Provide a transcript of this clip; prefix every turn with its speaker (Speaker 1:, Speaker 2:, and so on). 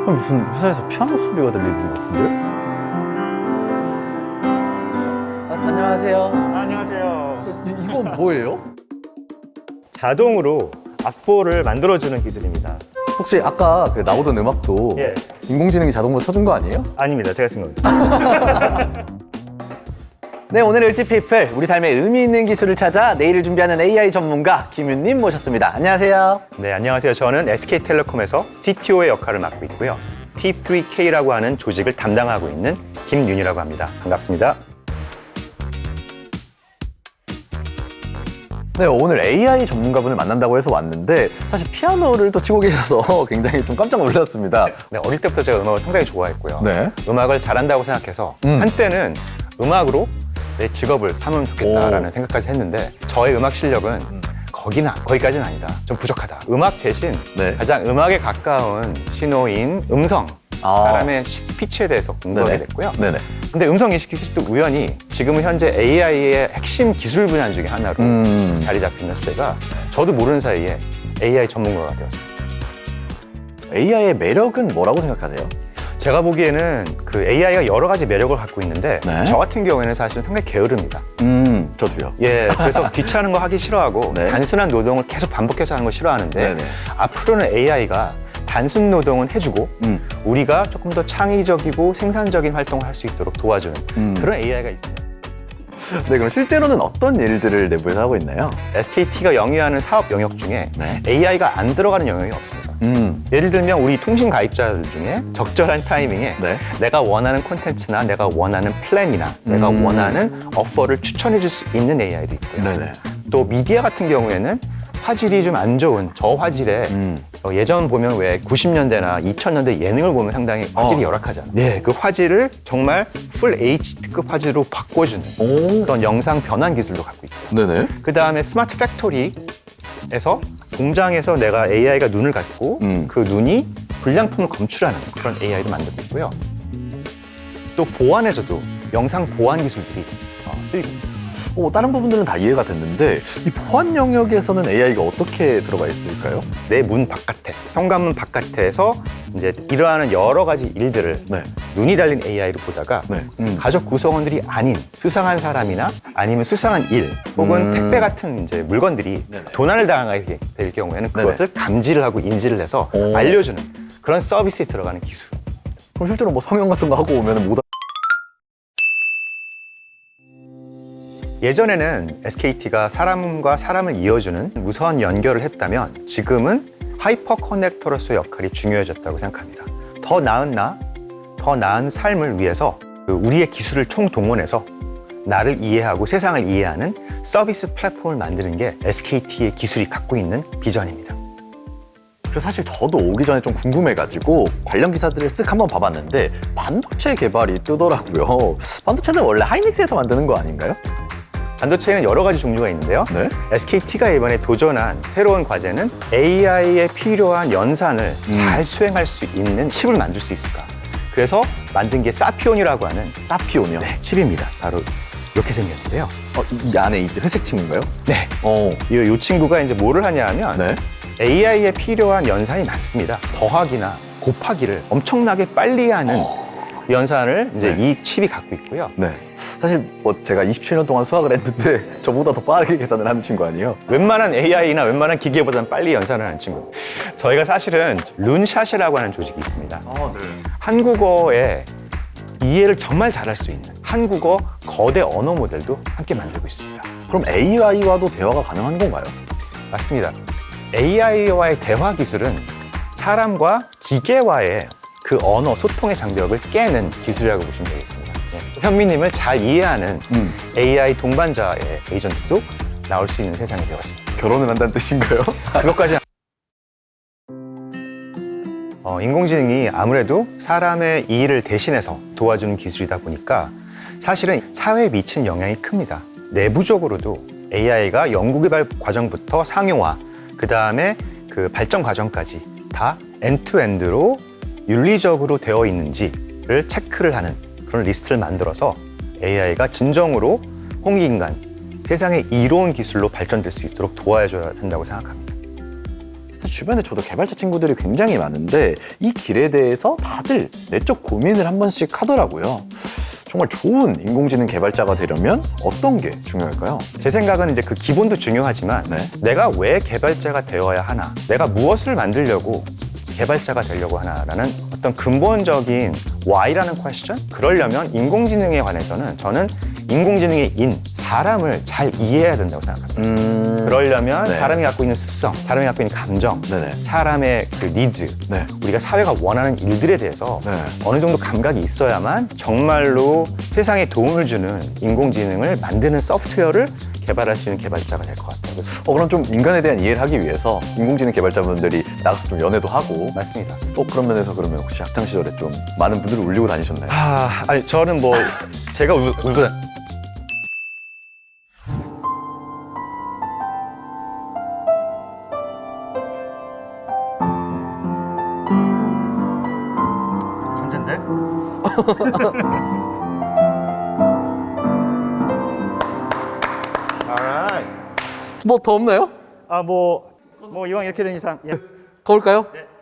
Speaker 1: 무슨 회사에서 피아노 소리가 들리는 것 같은데요? 안녕하세요.
Speaker 2: 안녕하세요.
Speaker 1: 이건 뭐예요?
Speaker 2: 자동으로 악보를 만들어주는 기술입니다.
Speaker 1: 혹시 아까 그 나오던 음악도
Speaker 2: 예.
Speaker 1: 인공지능이 자동으로 쳐준 거 아니에요?
Speaker 2: 아닙니다. 제가 쓴 겁니다.
Speaker 1: 네, 오늘 일지피플 우리 삶에 의미 있는 기술을 찾아 내일을 준비하는 AI 전문가 김윤님 모셨습니다. 안녕하세요.
Speaker 2: 네, 안녕하세요. 저는 SK텔레콤에서 CTO의 역할을 맡고 있고요. T3K라고 하는 조직을 담당하고 있는 김윤이라고 합니다. 반갑습니다.
Speaker 1: 네, 오늘 AI 전문가분을 만난다고 해서 왔는데 사실 피아노를 또 치고 계셔서 굉장히 좀 깜짝 놀랐습니다.
Speaker 2: 네, 어릴 때부터 제가 음악을 상당히 좋아했고요.
Speaker 1: 네.
Speaker 2: 음악을 잘한다고 생각해서 한때는 음악으로 내 직업을 삼으면 좋겠다라는 생각까지 했는데 저의 음악 실력은 거기까지는 아니다. 좀 부족하다. 음악 대신
Speaker 1: 네.
Speaker 2: 가장 음악에 가까운 신호인 음성, 사람의 피치에 대해서 공부하게
Speaker 1: 네네.
Speaker 2: 됐고요.
Speaker 1: 네네.
Speaker 2: 근데 음성 인식 기술이 또 우연히 지금은 현재 AI의 핵심 기술 분야 중에 하나로 자리 잡히면서 제가 저도 모르는 사이에 AI 전문가가 되었습니다.
Speaker 1: AI의 매력은 뭐라고 생각하세요?
Speaker 2: 제가 보기에는 그 AI가 여러 가지 매력을 갖고 있는데
Speaker 1: 네.
Speaker 2: 저 같은 경우에는 사실 상당히 게으릅니다.
Speaker 1: 저도요.
Speaker 2: 예, 그래서 귀찮은 거 하기 싫어하고
Speaker 1: 네.
Speaker 2: 단순한 노동을 계속 반복해서 하는 거 싫어하는데
Speaker 1: 네네.
Speaker 2: 앞으로는 AI가 단순 노동은 해주고 우리가 조금 더 창의적이고 생산적인 활동을 할 수 있도록 도와주는 그런 AI가 있습니다.
Speaker 1: 네, 그럼 실제로는 어떤 일들을 내부에서 하고 있나요?
Speaker 2: SKT가 영위하는 사업 영역 중에
Speaker 1: 네.
Speaker 2: AI가 안 들어가는 영역이 없습니다. 예를 들면 우리 통신 가입자들 중에 적절한 타이밍에
Speaker 1: 네.
Speaker 2: 내가 원하는 콘텐츠나 내가 원하는 플랜이나 내가 원하는 오퍼를 추천해 줄 수 있는 AI도 있고요.
Speaker 1: 네네.
Speaker 2: 또 미디어 같은 경우에는 화질이 좀 안 좋은 저화질에 예전 보면 왜 90년대나 2000년대 예능을 보면 상당히 화질이 열악하잖아요. 네, 그 화질을 정말 풀 HD급 화질로 바꿔주는 그런 영상 변환 기술도 갖고 있고요.
Speaker 1: 네네.
Speaker 2: 그 다음에 스마트 팩토리에서 공장에서 내가 AI가 눈을 갖고 그 눈이 불량품을 검출하는 그런 AI도 만들고 있고요. 또 보안에서도 영상 보안 기술들이 쓰이고 있습니다.
Speaker 1: 다른 부분들은 다 이해가 됐는데 이 보안 영역에서는 AI가 어떻게 들어가 있을까요?
Speaker 2: 내 문 바깥에, 현관문 바깥에서 이제 일어나는 여러 가지 일들을
Speaker 1: 네.
Speaker 2: 눈이 달린 AI로 보다가
Speaker 1: 네.
Speaker 2: 가족 구성원들이 아닌 수상한 사람이나 아니면 수상한 일 혹은 택배 같은 이제 물건들이
Speaker 1: 네네.
Speaker 2: 도난을 당하게 될 경우에는
Speaker 1: 네네.
Speaker 2: 그것을 감지를 하고 인지를 해서 알려주는 그런 서비스에 들어가는 기술.
Speaker 1: 그럼 실제로 뭐 성형 같은 거 하고 오면 못
Speaker 2: 예전에는 SKT가 사람과 사람을 이어주는 무선 연결을 했다면 지금은 하이퍼 커넥터로서의 역할이 중요해졌다고 생각합니다. 더 나은 나, 더 나은 삶을 위해서 우리의 기술을 총동원해서 나를 이해하고 세상을 이해하는 서비스 플랫폼을 만드는 게 SKT의 기술이 갖고 있는 비전입니다.
Speaker 1: 그래서 사실 저도 오기 전에 좀 궁금해가지고 관련 기사들을 쓱 한번 봐봤는데 반도체 개발이 뜨더라고요. 반도체는 원래 하이닉스에서 만드는 거 아닌가요?
Speaker 2: 반도체에는 여러 가지 종류가 있는데요.
Speaker 1: 네.
Speaker 2: SKT가 이번에 도전한 새로운 과제는 AI에 필요한 연산을 잘 수행할 수 있는 칩을 만들 수 있을까. 그래서 만든 게 사피온이라고 하는
Speaker 1: 사피온이요?
Speaker 2: 칩입니다. 바로 이렇게 생겼는데요.
Speaker 1: 이 안에 이제 회색 친구인가요?
Speaker 2: 네. 이 친구가 이제 뭐를 하냐 하면
Speaker 1: 네.
Speaker 2: AI에 필요한 연산이 많습니다. 더하기나 곱하기를 엄청나게 빨리 하는 연산을 이제
Speaker 1: 네.
Speaker 2: 이 칩이 갖고 있고요.
Speaker 1: 네. 사실 뭐 제가 27년 동안 수학을 했는데 저보다 더 빠르게 계산을 하는 친구 아니에요?
Speaker 2: 웬만한 AI나 웬만한 기계보다는 빨리 연산을 하는 친구. 저희가 사실은 룬샷이라고 하는 조직이 있습니다.
Speaker 1: 네.
Speaker 2: 한국어의 이해를 정말 잘할 수 있는 한국어 거대 언어 모델도 함께 만들고 있습니다.
Speaker 1: 그럼 AI와도 대화가 가능한 건가요?
Speaker 2: 맞습니다. AI와의 대화 기술은 사람과 기계와의 그 언어 소통의 장벽을 깨는 기술이라고 보시면 되겠습니다. 현미님을 잘 이해하는 AI 동반자의 에이전트도 나올 수 있는 세상이 되었습니다.
Speaker 1: 결혼을 한다는 뜻인가요?
Speaker 2: 그것까지 인공지능이 아무래도 사람의 일을 대신해서 도와주는 기술이다 보니까 사실은 사회에 미친 영향이 큽니다. 내부적으로도 AI가 연구개발 과정부터 상용화, 그 다음에 그 발전 과정까지 다 엔드투엔드로 윤리적으로 되어 있는지를 체크를 하는 그런 리스트를 만들어서 AI가 진정으로 홍익인간, 세상의 이로운 기술로 발전될 수 있도록 도와줘야 된다고 생각합니다.
Speaker 1: 사실 주변에 저도 개발자 친구들이 굉장히 많은데 이 길에 대해서 다들 내적 고민을 한 번씩 하더라고요. 정말 좋은 인공지능 개발자가 되려면 어떤 게 중요할까요?
Speaker 2: 제 생각은 이제 그 기본도 중요하지만
Speaker 1: 네.
Speaker 2: 내가 왜 개발자가 되어야 하나, 내가 무엇을 만들려고 개발자가 되려고 하나라는 어떤 근본적인 why라는 퀘스천? 그러려면 인공지능에 관해서는 저는 인공지능의 사람을 잘 이해해야 된다고 생각합니다. 그러려면
Speaker 1: 네.
Speaker 2: 사람이 갖고 있는 습성, 사람이 갖고 있는 감정,
Speaker 1: 네네.
Speaker 2: 사람의 그 니즈,
Speaker 1: 네.
Speaker 2: 우리가 사회가 원하는 일들에 대해서
Speaker 1: 네.
Speaker 2: 어느 정도 감각이 있어야만 정말로 세상에 도움을 주는 인공지능을 만드는 소프트웨어를 개발할 수 있는 개발자가 될 것 같아요. 그래서
Speaker 1: 그럼 좀 인간에 대한 이해를 하기 위해서 인공지능 개발자분들이 나가서 좀 연애도 하고
Speaker 2: 맞습니다.
Speaker 1: 그런 면에서 그러면 혹시 학창 시절에 좀 많은 분들을 울리고 다니셨나요?
Speaker 2: 아니 저는 뭐 제가 울고 천재인데? Alright.
Speaker 1: 뭐 더 없나요?
Speaker 2: 뭐 이왕 이렇게 된 이상 예.
Speaker 1: 가볼까요?